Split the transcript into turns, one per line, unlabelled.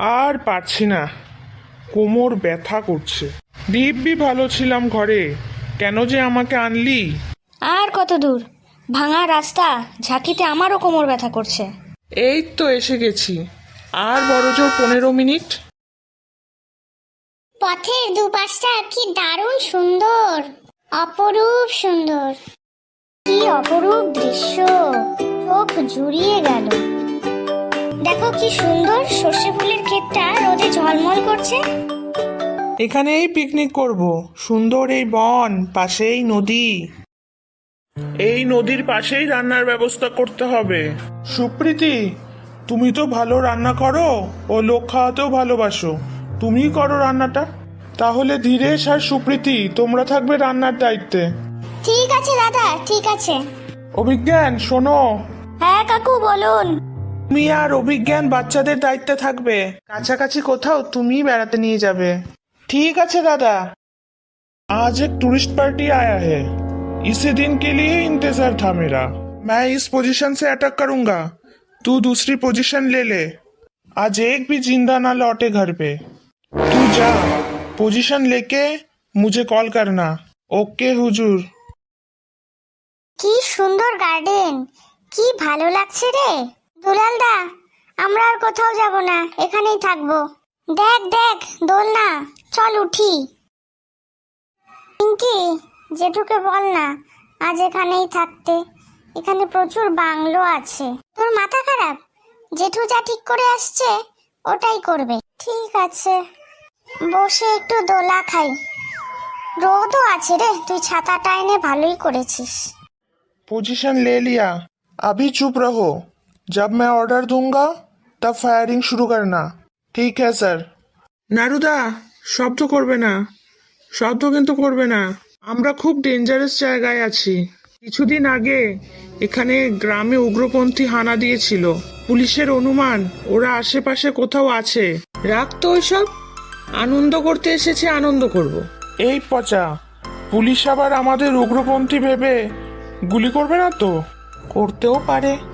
আর পারছি না, কোমর ব্যথা করছে। দিব্যি ভালো ছিলাম ঘরে, কেন যে আমাকে আনলি?
আর কত দূর? ভাঙা রাস্তা, ঝাঁকিতে আমারও কোমর ব্যথা করছে।
এই তো এসে গেছি, আর বড়জোর 15 মিনিট।
পথের দুপাশটা কি দারুণ সুন্দর, অপরূপ সুন্দর। কি অপরূপ দৃশ্য, চোখ জুড়িয়ে গেল। দেখো কি সুন্দর সর্ষে ফুলের ক্ষেতটা রোদে ঝলমল করছে।
এখানেই পিকনিক করব, সুন্দর এই বন, পাশেই নদী। এই নদীর পাশেই রান্নার ব্যবস্থা করতে হবে। সুপ্রীতি, তুমি তো ভালো রান্না করো ও লোক খাওয়াতেও ভালোবাসো, তুমিই করো রান্নাটা। তাহলে ধীরেশ আর সুপ্রীতি, তোমরা থাকবে রান্নার দায়িত্বে।
ঠিক আছে দাদা, ঠিক আছে।
অভিজ্ঞান শোনো,
হ্যাঁ কাকু বলুন।
তুমি আর অভিজ্ঞান বাচ্চাদের দায়িত্বে থাকবে, কাছাকাছি কোথাও তুমি বেড়াতে নিয়ে যাবে। ठीक है दादा। आज एक टूरिस्ट पार्टी आया है, इसी दिन के लिए इंतजार था मेरा। मैं इस पोजीशन से अटैक करूंगा, तू दूसरी पोजीशन ले ले। आज एक भी जिंदा ना लौटे घर पे। तू जा, पोजीशन लेके मुझे कॉल करना। ओके हुजूर।
কি সুন্দর গার্ডেন, কি ভালো লাগছে রে দুলাল দা। আমরা আর কোথাও যাব না, এখানেই থাকবো। দেখ দেখ দোলনা, চল উঠি। পিঙ্কি, জেঠুকে বল না আজ এখানেই থাকতে, এখানে প্রচুর বাংলো আছে। তোর মাথা খারাপ? জেঠু যা ঠিক করে আসছে ওটাই করবে। ঠিক আছে, বসে একটু দোলা খাই। রোদও আছে রে, তুই ছাতাটা এনে ভালোই করেছিস।
पोजीशन ले लिया, अभी चुप रहो। जब मैं ऑर्डर दूंगा तब फायरिंग शुरू करना। ठीक है স্যার। নারুদা, শব্দ করবে না, শব্দ কিন্তু করবে না। আমরা খুব ডেঞ্জারাস জায়গায় আছি। কিছুদিন আগে এখানে গ্রামে উগ্রপন্থী হানা দিয়েছিল, পুলিশের অনুমান ওরা আশেপাশে কোথাও আছে। রাখতো ওইসব, আনন্দ করতে এসেছে, আনন্দ করব। এই পচা, পুলিশ আবার আমাদের উগ্রপন্থী ভেবে গুলি করবে না তো? করতেও পারে।